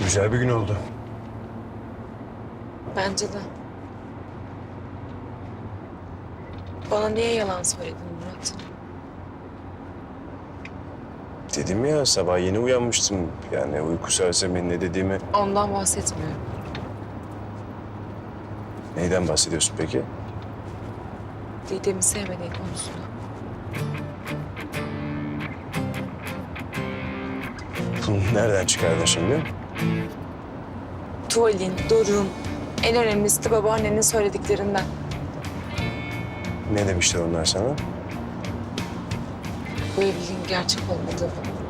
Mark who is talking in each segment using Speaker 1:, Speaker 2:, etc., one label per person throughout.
Speaker 1: Güzel bir gün oldu.
Speaker 2: Bence de. Bana niye yalan söyledin Murat?
Speaker 1: Dedim ya, sabah yeni uyanmıştım. Yani uyku sersemi ne dediğimi...
Speaker 2: Ondan bahsetmiyorum.
Speaker 1: Neyden bahsediyorsun peki?
Speaker 2: Didem'i sevmediğin konusunda.
Speaker 1: Bunu nereden çıkardın şimdi?
Speaker 2: Tuvalin, Doruk'un, en önemlisi de babaannenin söylediklerinden.
Speaker 1: Ne demişler onlar sana?
Speaker 2: Bu evliliğin gerçek olmadığını.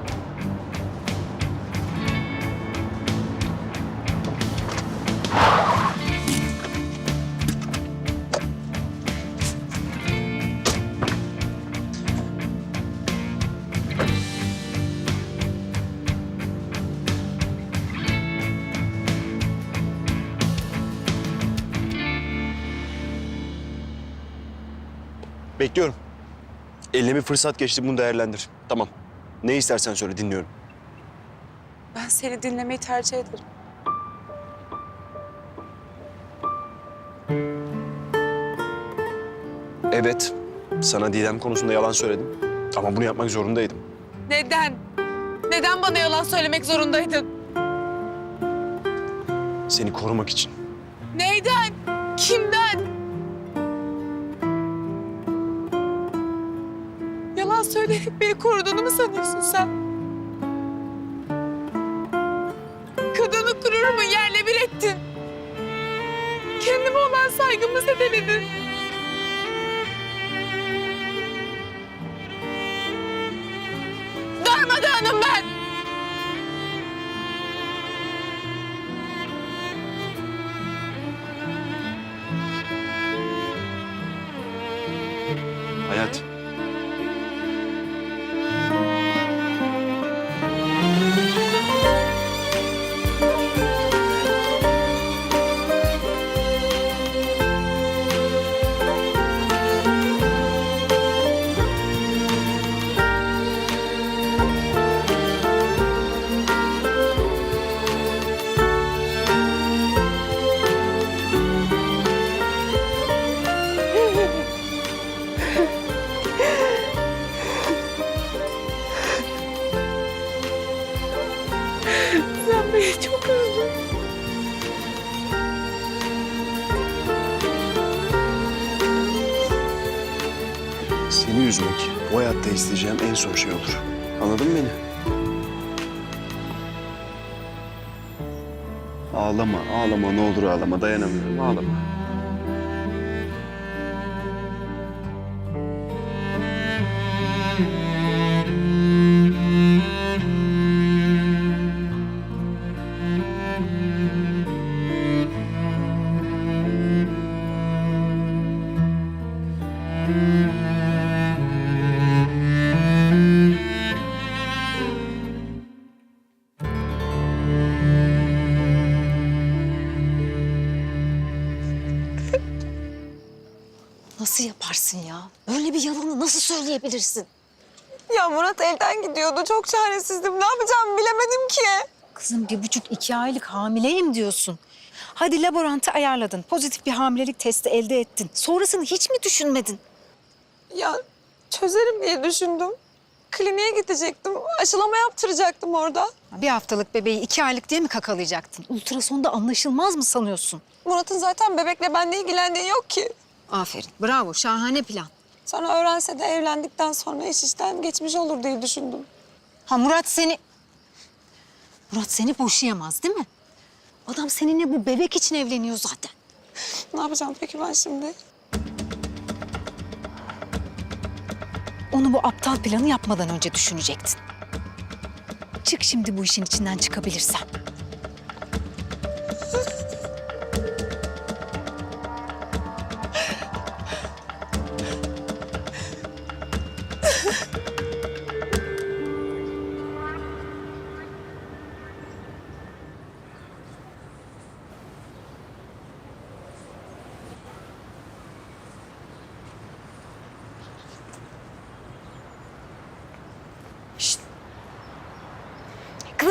Speaker 3: Bekliyorum. Eline bir fırsat geçti, bunu değerlendir. Tamam. Ne istersen söyle, dinliyorum.
Speaker 2: Ben seni dinlemeyi tercih ederim.
Speaker 3: Evet, sana Didem konusunda yalan söyledim. Ama bunu yapmak zorundaydım.
Speaker 2: Neden? Neden bana yalan söylemek zorundaydın?
Speaker 3: Seni korumak için.
Speaker 2: Neyden? Kimden? Yalan söyleyip beni koruduğunu mu sanıyorsun sen? Kadının gururumu yerle bir ettin. Kendime olan saygımı zedeledin. Darmadağınım ben.
Speaker 3: Hayat.
Speaker 2: Sen beni çok üzdün.
Speaker 3: Seni üzmek bu hayatta isteyeceğim en son şey olur. Anladın mı beni? Ağlama, ağlama. Ne olur ağlama. Dayanamıyorum. Ağlama.
Speaker 4: Nasıl yaparsın ya? Böyle bir yalanı nasıl söyleyebilirsin?
Speaker 5: Ya Murat elden gidiyordu. Çok çaresizdim. Ne yapacağımı bilemedim ki.
Speaker 4: Kızım 1,5-2 aylık hamileyim diyorsun. Hadi laborantı ayarladın. Pozitif bir hamilelik testi elde ettin. Sonrasını hiç mi düşünmedin?
Speaker 5: Ya çözerim diye düşündüm. Kliniğe gidecektim. Aşılama yaptıracaktım orada.
Speaker 4: Bir haftalık bebeği 2 aylık diye mi kakalayacaktın? Ultrasonda anlaşılmaz mı sanıyorsun?
Speaker 5: Murat'ın zaten bebekle benimle ilgilendiği yok ki.
Speaker 4: Aferin, bravo, şahane plan.
Speaker 5: Sonra öğrense de evlendikten sonra iş işten geçmiş olur diye düşündüm.
Speaker 4: Ha Murat seni... Murat seni boşayamaz değil mi? Adam seninle bu bebek için evleniyor zaten.
Speaker 5: Ne yapacağım peki ben şimdi?
Speaker 4: Onu bu aptal planı yapmadan önce düşünecektin. Çık şimdi bu işin içinden çıkabilirsen.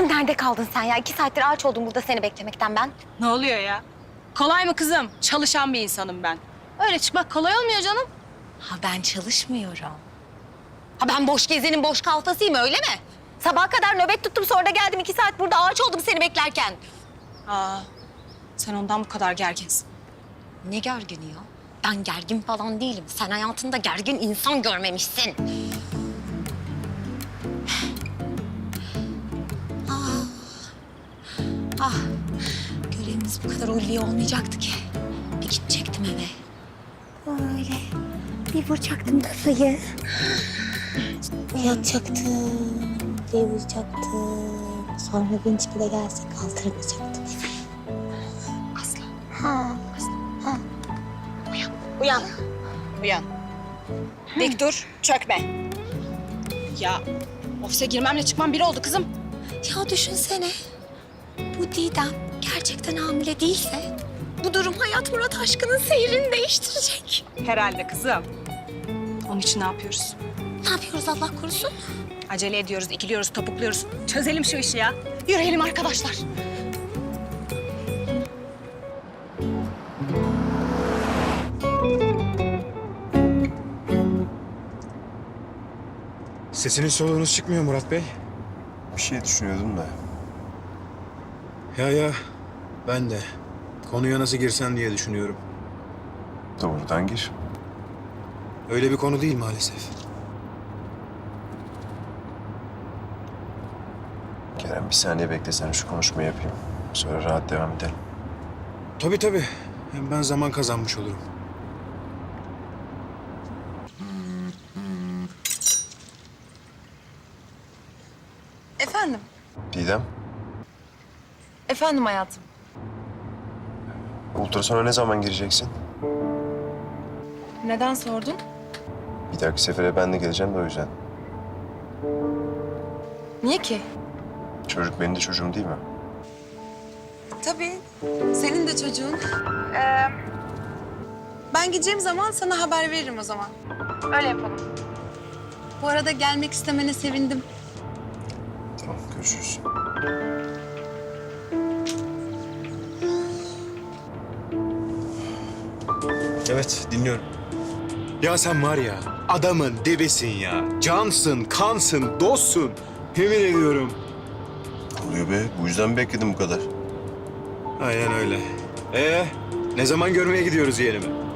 Speaker 6: Kızım nerede kaldın sen ya? 2 saattir ağaç oldum burada seni beklemekten ben.
Speaker 7: Ne oluyor ya? Kolay mı kızım? Çalışan bir insanım ben. Öyle çıkmak kolay olmuyor canım.
Speaker 6: Ha ben çalışmıyorum. Ha ben boş gezenin boş kalfasıyım öyle mi? Sabaha kadar nöbet tuttum sonra da geldim 2 saat burada ağaç oldum seni beklerken.
Speaker 7: Aa, sen ondan bu kadar gerginsin.
Speaker 6: Ne gergini ya? Ben gergin falan değilim. Sen hayatında gergin insan görmemişsin. Ah, görevimiz bu kadar ulvi olmayacaktı ki. Bir gidecektim eve. Böyle bir vuracaktım kafayı. Yatacaktım, bir vuracaktım. Sonra vinç bile gelse kaldırmayacaktım. Asla. Ha.
Speaker 7: Uyan. Uyan. Dik dur, çökme. Ya ofise girmemle çıkmam bir oldu kızım.
Speaker 6: Ya düşünsene. Bu Didem gerçekten hamile değilse bu durum Hayat Murat aşkının seyrini değiştirecek.
Speaker 7: Herhalde kızım. Onun için ne yapıyoruz?
Speaker 6: Ne yapıyoruz Allah korusun?
Speaker 7: Acele ediyoruz, ikiliyoruz, topukluyoruz. Çözelim şu işi ya. Yürüyelim arkadaşlar.
Speaker 8: Sesiniz soluğunuz çıkmıyor Murat Bey.
Speaker 1: Bir şey düşünüyordum da.
Speaker 8: Ya ben de konuya nasıl girsem diye düşünüyorum.
Speaker 1: Doğrudan gir.
Speaker 8: Öyle bir konu değil maalesef.
Speaker 1: Kerem bir saniye beklesene şu konuşmayı yapayım. Sonra rahat devam edelim.
Speaker 8: Tabii. Hem ben zaman kazanmış olurum.
Speaker 2: Efendim?
Speaker 1: Didem,
Speaker 2: Efendim hayatım.
Speaker 1: ultrasona ne zaman gireceksin?
Speaker 2: Neden sordun?
Speaker 1: Bir dahaki sefere ben de geleceğim de o yüzden.
Speaker 2: Niye ki?
Speaker 1: Çocuk benim de çocuğum değil mi?
Speaker 2: Tabii. Senin de çocuğun. Ben gideceğim zaman sana haber veririm o zaman. Öyle yapalım. Bu arada gelmek istemene sevindim.
Speaker 1: Tamam, görüşürüz.
Speaker 8: Evet, dinliyorum. Ya sen var ya, adamın dibisin ya. Cansın, kansın, dostsun. Yemin ediyorum.
Speaker 1: Ne oluyor be? Bu yüzden mi bekledim bu kadar?
Speaker 8: Aynen öyle. Ne zaman görmeye gidiyoruz yeğenimi?